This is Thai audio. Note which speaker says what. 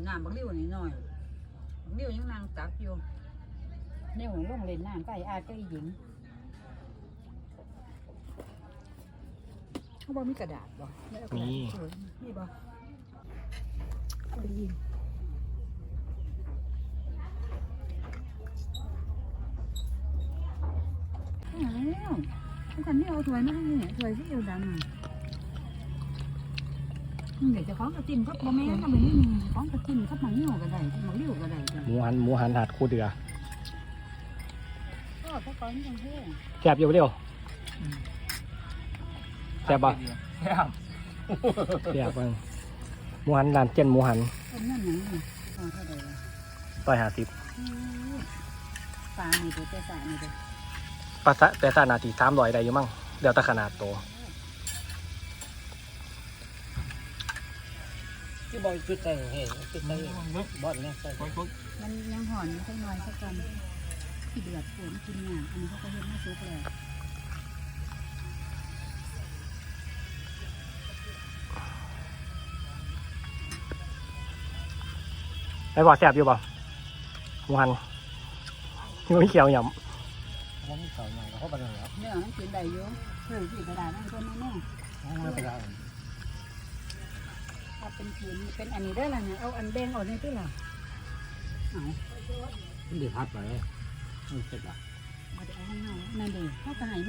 Speaker 1: นน้ำบักริ้วนี่หน่อยบักริ้วยังนางตักอยู่เนี่ยหัวลงเล่นน้ำก็ไอ้อาก็ไอ้หญิงเขาบอกมีกระดาษบ่มีบ่ดีแล้วฉันไม่เอาถ้วยมาให้เนี่ยถ้วยที่อยู่ดำเดี๋ยวจะคล้องกระจิ้มก็บ่แม่ก็แบบนี้คล้องกระจิ้มก็มันเหนียวก็ได้มันเลี้ยวก็ได้
Speaker 2: หมูหันหัดคู่เดือ
Speaker 1: ก็เขาก้อนกันเท่
Speaker 2: แซ่บอยู่เดียวแซ่บปะแซ่บบ้างหมูหันร้านเจนหมูหัน
Speaker 1: คนนั่นยังนี่เท่าไหร่
Speaker 2: 150
Speaker 1: ปลามีตัวแต่สามีตัว
Speaker 2: ปลาแต่สานาที300ได้อยู่มั้งเดี๋ยวแต่ขนาดโต
Speaker 3: ที่บอยจุดใจเห็นจุดใจบอลเนี่ยใส่
Speaker 1: มันยังห่อนอยู่สักหน่อยสักกันที่เดือดฝนกินเนี่ยอันนี้เขาก็เห็นไม่ซุกเลย
Speaker 2: ไอ้บอกแซ่บอยู่ป่ะหมูหันมีเขียวหยำ
Speaker 3: เขาไม่ใส่หน่อยเขาไปเลยครับ
Speaker 1: เนี่ยมันกินได้อยู่สีกระดาษนั่นคนแน่
Speaker 3: ไม่เป็นไร
Speaker 1: ถ้าเป็นผืนเป็นอันนี้ได้ละเนี่ยเอาอันแดงออกนี่ด้วยล่ะเอา
Speaker 3: เดี๋ยวพัดไปไม่เสร็จละ
Speaker 1: เอาข้างนอกนั่นเองเขาจะให้